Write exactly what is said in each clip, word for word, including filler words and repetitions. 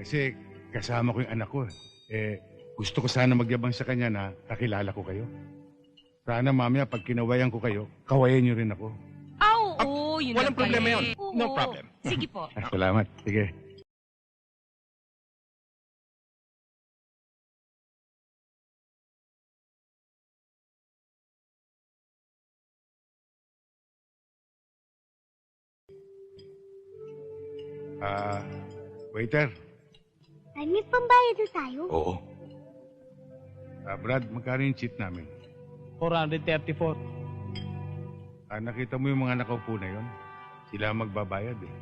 Kasi kasama ko yung anak ko. Eh, gusto ko sana magyabang sa kanya na kakilala ko kayo. Sana mamaya pag kinawayan ko kayo, kawayan niyo rin ako. Ah, oo, yun Walang lang pala problema eh. yun. Oo. No problem. Sige po. Ah, salamat. Sige. Ah, waiter. Ay, may pambayad na tayo. Oo. Ah, Brad, magkano yung cheat namin? four thirty-four. Ah, nakita mo yung mga nakaupo na yon? Sila ang magbabayad eh.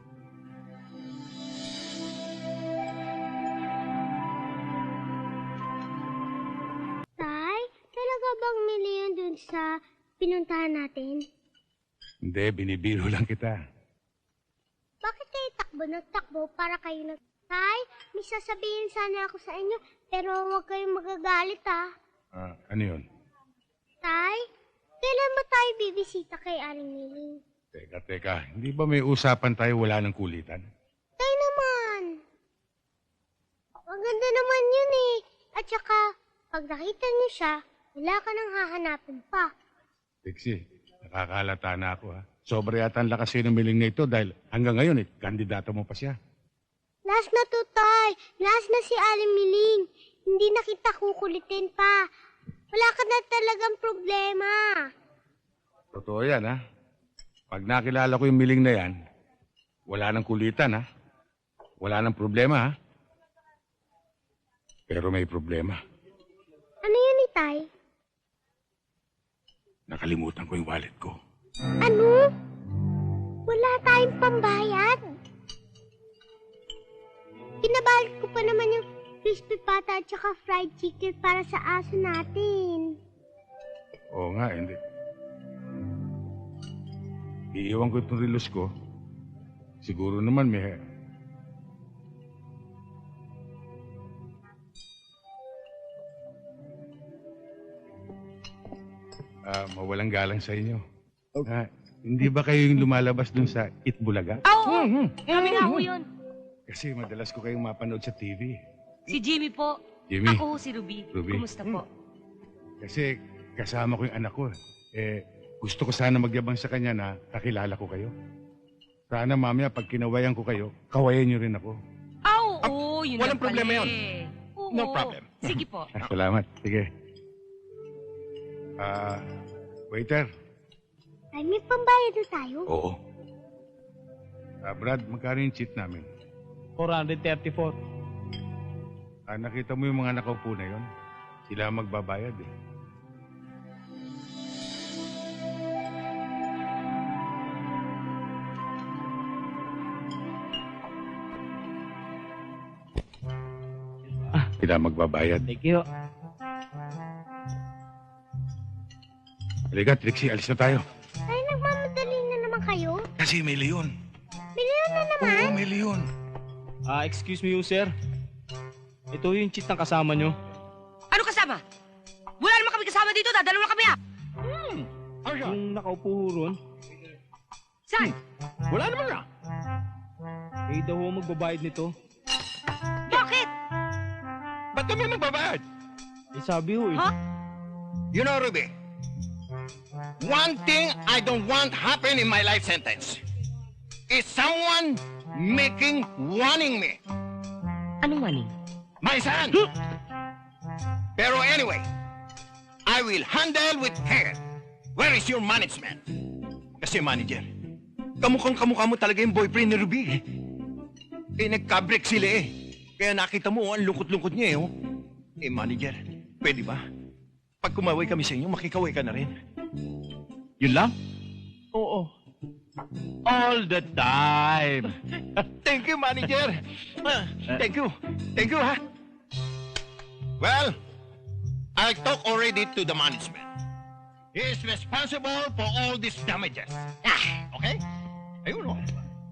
Tay, talaga bang milyon dun sa pinuntahan natin? Hindi, binibiro lang kita. Bakit kayo takbo ng takbo para kayo nag... Tay, may sasabihin sana ako sa inyo, pero huwag kayong magagalit ah. Ah, ano yun? Tay, kailan ba tayo bibisita kay Aling Miling? Teka, teka. Hindi ba may usapan tayo wala ng kulitan? Tay naman. Maganda naman yun eh. At saka, pag nakita niyo siya, wala ka nang hahanapin pa. Tiksi, nakakalata na ako ha. Sobra yata ang lakas ng miling na ito dahil hanggang ngayon eh, kandidato mo pa siya. Last na to, Tay. Last na si Aling Miling. Hindi na kita kukulitin pa. Wala ka na talagang problema. Totoo yan ha. Pag nakilala ko yung miling na yan, wala nang kulitan ha. Wala nang problema ha. Pero may problema. Ano yun, Tay? Nakalimutan ko yung wallet ko. Ano? Wala tayong pambayad. Pinabayad ko pa naman yung crispy pata at saka fried chicken para sa aso natin. Oo nga, hindi. Iiwan ko itong relos ko. Siguro naman may... Ah, mawalang galang sa inyo. Ah, hindi ba kayo yung lumalabas dun sa Itbulaga? Ah, oo. Kami nga ho yun. Kasi madalas ko kayong mapanood sa T V. Si Jimmy po. Jimmy. Ako ho si Ruby. Ruby. Kumusta po? Kasi kasama ko yung anak ko. Eh, gusto ko sana magyabang sa kanya na kakilala ko kayo. Sana mamaya pag kinawayan ko kayo, kawayan niyo rin ako. Ah, oo, yun walang lang pala problema yun. eh. Oo. No problem. Sige po. Ah, salamat. Sige. Ah, waiter. Ay, may pambayad na tayo. Oo. Ah, Brad, magkano yung cheat namin? four thirty-four. Ah, nakita mo yung mga nakaupo na yon? Sila ang magbabayad eh. Sila ang magbabayad. Thank you. Halika, Trixie, alis na tayo. Ay, nagmamadali na naman kayo. Kasi may leon. Biliyon na naman. Oo, may leon. Ah, excuse me, you, sir. Ito yung cheat ng kasama nyo. Ano kasama? Wala naman kami kasama dito. Dadalawa kami ah. Yung nakaupo ho ron, Saan? Wala naman na. eh daw ho magbabayad nito. Bakit? Ba't kami magbabayad? Eh sabi ho eh. Ha? You know, Ruby, one thing I don't want happen in my life sentence is someone making warning me. Anong maning? My son! Pero anyway, I will handle with care. Where is your management? Kasi manager, kamukhang kamukha mo talaga yung boyfriend ni Ruby. Eh, nagka-break sila eh. Kaya nakita mo, ang lungkot-lungkot niya eh. Oh. Eh, manager, pwede ba? Pag kumaway kami sa inyo, makikaway ka na rin. Yun lang? Oo. All the time. Thank you, manager. Ah, Thank you. Thank you, ha? Well, I talked already to the management. He is responsible for all these damages. Ah, Okay? Ayun, oh.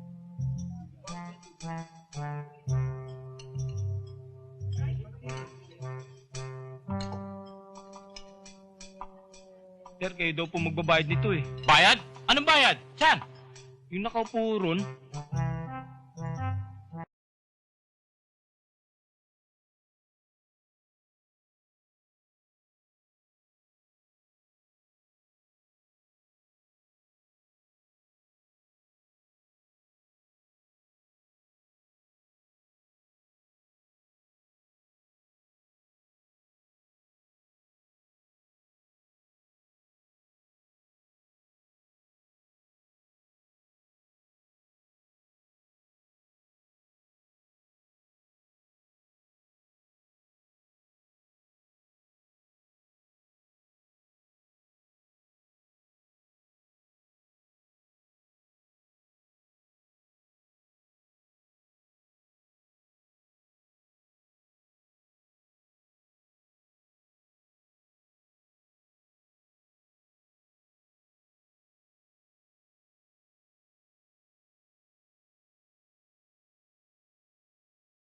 Sir, kayo daw po magbabayad nito eh. Bayad? Anong bayad? Saan? Yung nakaupo ron,